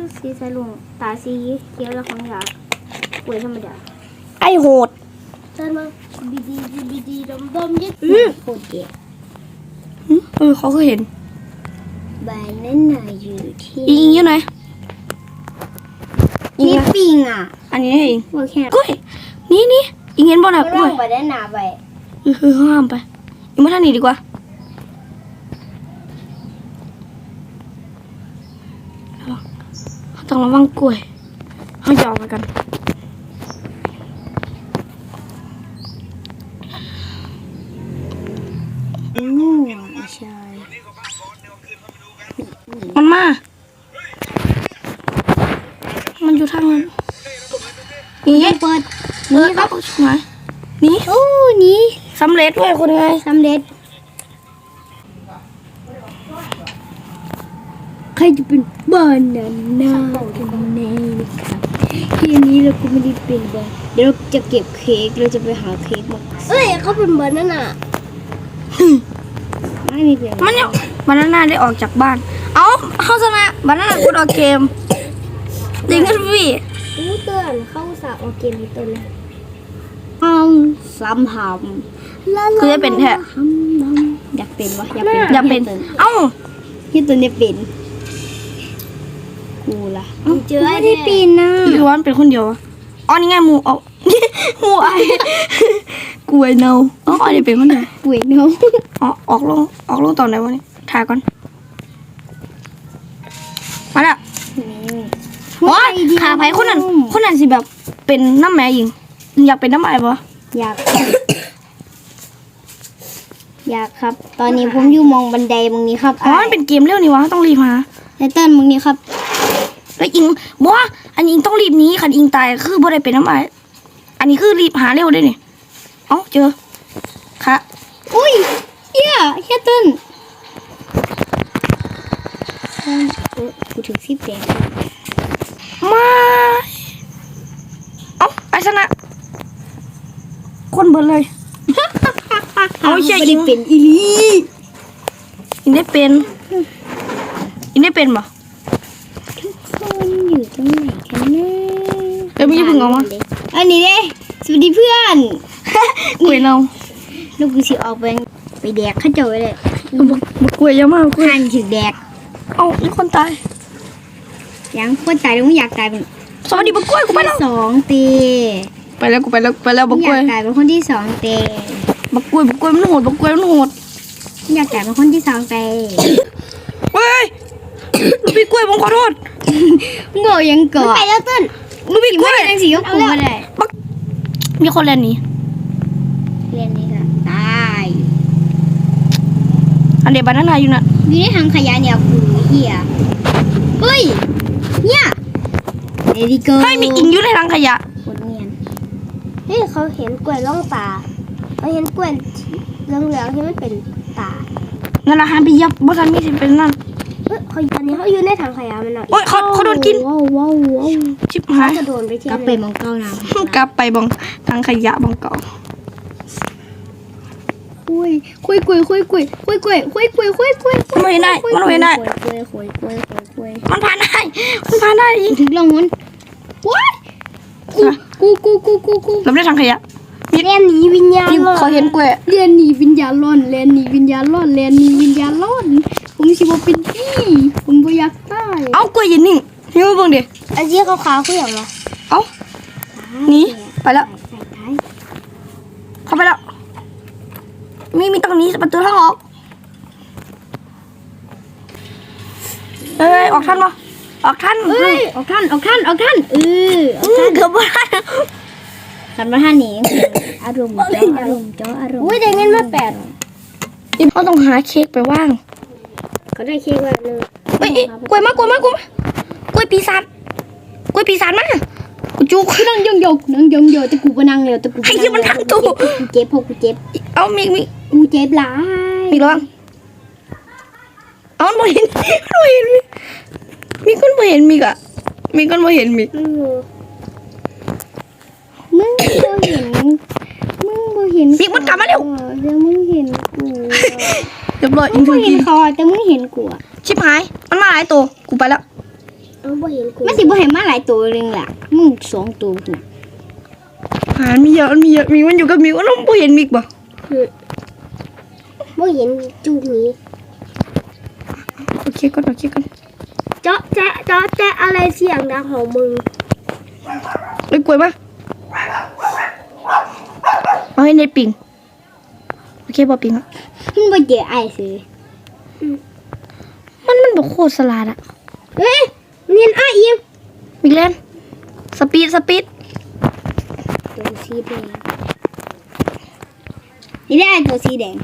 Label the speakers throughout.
Speaker 1: คือสีสายลุงตาสีเขียวแล้วของอยากป่วยธรรมดา
Speaker 2: ไอโหด
Speaker 1: เดินมาบีดีดมยึดโคตรเก๋
Speaker 2: เขาเคยเห็น
Speaker 1: ใบนั้นน่ะอยู่ที่
Speaker 2: อิงอยู่ไหน
Speaker 1: นี่ปิงอ่ะ
Speaker 2: อันนี้เอง
Speaker 1: โอเค
Speaker 2: กล้วยนี่อิงเห็นบ่น่ะกล้วย
Speaker 1: ไปได้หนาไป
Speaker 2: ห้ามไปอิงมาทางนี้ดีกว่าต้องระวังกล้วยเขาจะออกไปกัน
Speaker 1: ใช่
Speaker 2: มันมามันอยู่ทางนั้นนี่
Speaker 1: เปิด
Speaker 2: นี่ครับไหนนี่
Speaker 1: โอ้นี่
Speaker 2: สำเร็จด้วยคนไง
Speaker 1: สำเร็จใครจะเป็นบานาน่ากันแน่นะครับทีนี้เราก็ไม่ได้เป็นบาเดี๋ยวเราจะเก็บเค้กเราจะไปหาเค้กมาเขาเป็นบานาน่าไม่มีเปลี่ยน
Speaker 2: มันเนี่ยบานาน่าได้ออกจากบ้านเอาเข้าชนะบานาน่ากดออกเกมจริงกันพี่
Speaker 1: เตือนเข้าสาวออกเกมตัวเลยซ้ำหำ
Speaker 2: คือจะเป็นแท้
Speaker 1: อยากเป็นวะ
Speaker 2: อยากเป็นเอ้า
Speaker 1: ที่ตัวนี้เป็นกูล่ะเจอไม่ได้ปีนนะ
Speaker 2: หรือว่าเป็นคนเดียวอ๋อนี่ไงหมูเอาหมูไอ้กล้วยเน่าอ๋อนี่เป็นคนเดียว
Speaker 1: กล้วยเน่า
Speaker 2: อ๋อออกลงตอนไหนวะนี่ถ่ายก่อนมาแล้วว้าขาไผ่คนนั้นสิแบบเป็นน้ำแม่ยิงอยากเป็นน้ำไอ้ปะ
Speaker 1: อยากครับ ตอนนี้ผมอยู่มองบันไดมึงนี้ครับ
Speaker 2: อ๋อมันเป็นเกมเร็วนี่วะต้องรีบมา
Speaker 1: ไอเติ้ลมึงนี้ครับ
Speaker 2: แล้วอิงบอกว่าอันนี้อิงต้องรีบนี้คันอิงตายคือบ่ได้เป็นน้ำไอ้อันนี้คือรีบหาเร็วด้วยนี่เอ้าเจอค่ะ
Speaker 1: อุ้ยเฮียเติ้ลกูถึงสิบแดง
Speaker 2: มาเอ้าไอ้ชนะคนเบิร์เลยเอาใช่
Speaker 1: อิงเป็นอีลี
Speaker 2: อิงได้เป็นปะ
Speaker 1: ทุกคนอยู่ตรงไหนกันนะ
Speaker 2: เดี๋ยวไม่พึ่งออกมา
Speaker 1: อันนี้เด้สวัสดีเพื่อน
Speaker 2: กล้วยเน่า
Speaker 1: ลูกกูสิออกไปแดกข้าเจ้าเลย
Speaker 2: บักกล้วยเยอะมากกล้วย
Speaker 1: หันถึงแดก
Speaker 2: เอามีคนตาย
Speaker 1: ยังคนตายแล้วไม่อยากตายเป็น
Speaker 2: สวัสดีบักกล้วยกูไปแล้ว
Speaker 1: 2 ตี
Speaker 2: ไปแล้วบักกล้วย
Speaker 1: อยากตายเป็นคนที่2 ตี
Speaker 2: บักกล้วยมันโหด
Speaker 1: อยากตายเป็นคนที่2 ตี
Speaker 2: เฮ้ยลูกพี่กล้วยผมขอโทษ
Speaker 1: โง่ยังเกาะไปแล้วต้น
Speaker 2: ลูกพี่กล้วย
Speaker 1: ยังสีก็ปูมาได้
Speaker 2: มีคนเรียนนี้
Speaker 1: ค่ะตาย
Speaker 2: อันเดียบานาน่าอยู่น่ะ
Speaker 1: อยู่ในถังขยะเนี่ยกูเหี้ยเฮ้ยเนี่ยเอริโก้
Speaker 2: ให้มีอิงอยู่ในถังขยะ
Speaker 1: คนเนียนเฮ้ยเขาเห็นกล้วยล่องตาเขาเห็นกล้วยเหลืองๆที่มันเป็นตา
Speaker 2: นั่นละฮะไปยับบอสันมีสิเป็นนั่น
Speaker 1: เขาตอนนี้เขาอยู่ในถังขยะมัน
Speaker 2: โอ้ยเขาโดนกิน
Speaker 1: ว้าว
Speaker 2: ชิบหาย
Speaker 1: จะโดนไปที่กลับไปมองเก้าน้
Speaker 2: ำกลับไปบองถังขยะบองเก่า
Speaker 1: คุย
Speaker 2: มันไม่ได้มันผ่านได้
Speaker 1: ถึงลงมันว้ายกู
Speaker 2: เราได้ถังขยะ
Speaker 1: เรียนหนีวิญญาณ
Speaker 2: เขาเห็นกล้วย
Speaker 1: เรียนหนีวิญญาณร้อนผมสิบ่เป็นพี่ผมบ่อยากตาย
Speaker 2: เอากล้วยยืนนิ่งนี่มาเบิ่งดิ
Speaker 1: อันนี้ขาวๆคือหยังวะ
Speaker 2: เอานี่ไปแล้วเข้าไปแล้วมีตรงนี้ประตูทางออกออกทันปะออกทัน
Speaker 1: ออกทัน
Speaker 2: เกือบว่า
Speaker 1: ทันมาท่านนี้อารมณ์อุ้ยได้เงินมา8
Speaker 2: เขาต้องหาเค้กไปว่าง
Speaker 1: เขาได้เค้กว่าเลย
Speaker 2: กล้วยมากล้วยปีศาจมากูจุก
Speaker 1: นั่งยองจะกูไปนั่งเร็วจะกู
Speaker 2: ไอ้ที่มันทั้งตัว
Speaker 1: กูเจ็บ
Speaker 2: เอามี
Speaker 1: กูเจ็บหลาย
Speaker 2: มีร้องเอาไม่เห็นมีคนไม่เห็นมีกะมีคนไม่เห็นมี
Speaker 1: มึงบ่เห็น
Speaker 2: มีมันกลับมาเร็ว
Speaker 1: เดี๋ยวมึงเห็นกู
Speaker 2: เรียบร้อยอิงถึงกิน
Speaker 1: เขาแต่มึงเห็นกู
Speaker 2: ชิบหายมันมาหลายตัวกูไปแล้ว
Speaker 1: เอาบ่เห็นกูมันสิบ่เห็นมาหลายตัวเลยล่ะมึง2ตัวน่ะ
Speaker 2: มีเยอะมีมันอยู่กับมิวน้องบ่เห็นมิกบ่
Speaker 1: บ่เห็นจูนี้
Speaker 2: โอเคก่อน
Speaker 1: เจาะแจ๊ะอะไรเสียงดังของมึง
Speaker 2: เลยกล้วยมาเอาให้เน็ตปิงโอเคบ่ปิงอ่ะ
Speaker 1: มันบ่เจอไอ้สิ
Speaker 2: มันบ่โคตรสลัดอ่ะ
Speaker 1: เฮ้ยเนียนอ้ายอิ่ม
Speaker 2: มิกแลนสปีด
Speaker 1: ตัวสีแดงนี่ได้ตัวสีแดง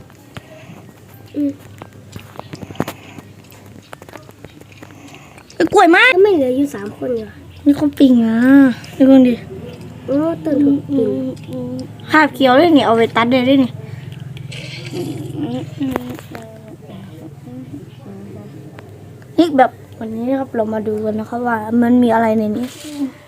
Speaker 2: กล้วยมา
Speaker 1: ก็ไม่เหลืออยู่3คนอยู่
Speaker 2: มีคนปิงอ่ะดูก่อนดิ
Speaker 1: โอ้ตื่นถูกปิง
Speaker 2: คาบเขียวเลยนี่เอาไปตัดเลยนี่นี่แบบวันนี้นะครับเรามาดูกันนะครับว่ามันมีอะไรในนี้